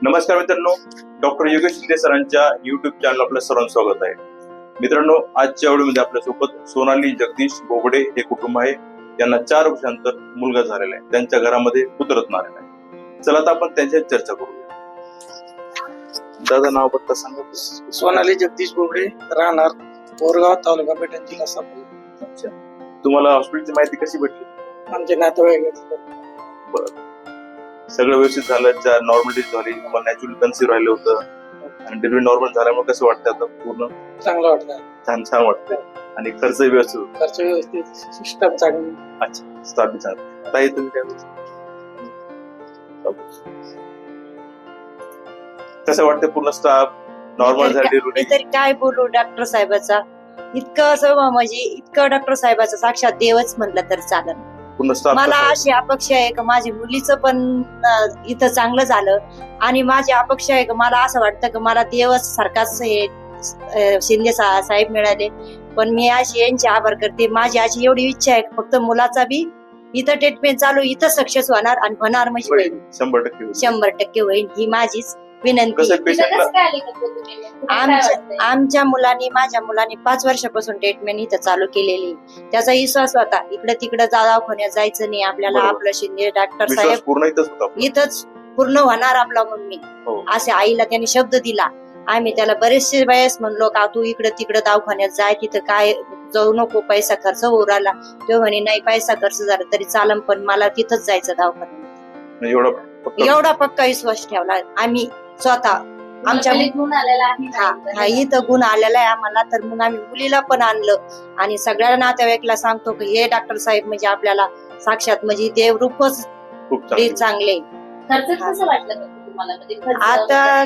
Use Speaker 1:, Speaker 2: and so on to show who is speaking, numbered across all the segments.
Speaker 1: नमस्कार मित्रांनो, डॉक्टर योगेश शिंदे सरांच्या युट्यूब चॅनल आपलं सर्वांचं स्वागत आहे. मित्रांनो, आजच्या व्हिडिओमध्ये आपल्यासोबत सोनाली जगदीश बोबडे हे कुटुंब आहे. त्यांना 4 वर्षांतर मुलगा झालेला आहे. त्यांच्या घरामध्ये पुत्ररत्न आलेला आहे. चला आता आपण त्यांच्याशी चर्चा करूया. दादा, नाव पत्ता सांगा.
Speaker 2: सोनाली जगदीश बोबडे, राहणार बोरगाव, तालुका पेठण, जिल्हा सांगली.
Speaker 1: अच्छा, तुम्हाला हॉस्पिटलची माहिती कशी भेटली?
Speaker 2: आमचे नातेवाईक.
Speaker 1: बरं, सगळं व्यवस्थित झालं, नॉर्मल डिलिव्हरी झाली, तुम्हाला नॅचरल कन्सीव्ह राहिलं होतं आणि डिलिव्हरी नॉर्मल झाल्यामुळे कसं वाटतं आता? पूर्ण
Speaker 2: चांगलं वाटतं.
Speaker 1: छान वाटतंय आणि खर्च व्यवस्थित होतो.
Speaker 2: खर्च व्यवस्थित, सिस्टम चांगली.
Speaker 1: अच्छा, स्टाफ बी चांगला. ताई, तुम्ही काय बोलता? कसं वाटतं? पूर्ण स्टाफ नॉर्मल झाली?
Speaker 3: मी तरी काय बोलू डॉक्टर साहेबाचा, इतकं असं म्हणजे इतकं डॉक्टर साहेबाचा साक्षात देवच म्हटलं तर चालेल.
Speaker 1: पूर्ण स्टाफ.
Speaker 3: मला अशी अपेक्षा आहे की माझ्या मुलीचं पण इथं चांगलं झालं आणि माझी अपेक्षा आहे की मला असं वाटतं की मला देवच सारखाच हे शिंदे साहेब मिळाले. पण मी अशी यांचे आभार करते. माझी अशी एवढी इच्छा आहे फक्त मुलाचा बी इथं ट्रीटमेंट चालू, इथं सक्सेस होणार आणि होणार म्हणजे 100% होईल ही माझीच विनंती. आमच्या मुलांनी, माझ्या मुलांनी 5 वर्षापासून ट्रीटमेंट इथं चालू केलेली. त्याचा विश्वास होता इकडे तिकडे दवाखान्यात जायचं नाही आपल्याला. आपलं शिंदे डॉक्टर साहेब इथंच पूर्ण होणार आपला मम्मी, असे आईला त्यांनी शब्द दिला. आम्ही त्याला बरेचसे वेळेस म्हणलो का तू इकडे तिकडे दवाखान्यात जाय, तिथं काय जाऊ नको, पैसा खर्च होऊ राहिला. तो म्हणे नाही, पैसा खर्च झाला तरी चालम, पण मला तिथंच जायचं दवाखान्यात. एवढा पक्का विश्वास ठेवला आम्ही स्वतः. आमच्या इथं गुण आलेला आहे आम्हाला, तर मग आम्ही मुलीला पण आणलं आणि सगळ्या नातेवाईकला सांगतो की हे डॉक्टर साहेब म्हणजे आपल्याला साक्षात म्हणजे देवरूपच चांगले. आता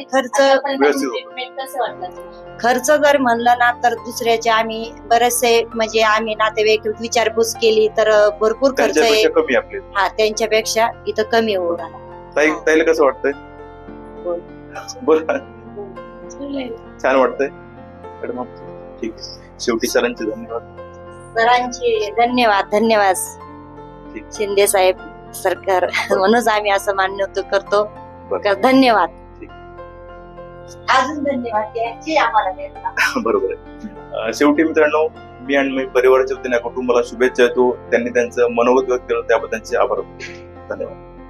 Speaker 3: खर्च जर म्हणलं ना तर दुसऱ्याचे आम्ही बरेचसे म्हणजे आम्ही नातेवाईक विचारपूस केली तर भरपूर खर्च आहे. हा, त्यांच्यापेक्षा इथं कमी होऊ राहिला.
Speaker 1: ताईला कसं वाटतंय? छान वाटतंय. ठीक, शेवटी सरांचे
Speaker 3: धन्यवाद शिंदे साहेब सरकार म्हणूनच आम्ही असं मान्य करतो. धन्यवाद. अजून धन्यवाद
Speaker 1: बरोबर आहे. शेवटी मित्रांनो, मी आणि मी परिवाराच्या वतीने कुटुंबाला शुभेच्छा देतो. त्यांनी त्यांचं मनोगत व्यक्त केलं त्याबद्दल त्यांचे आभार. धन्यवाद.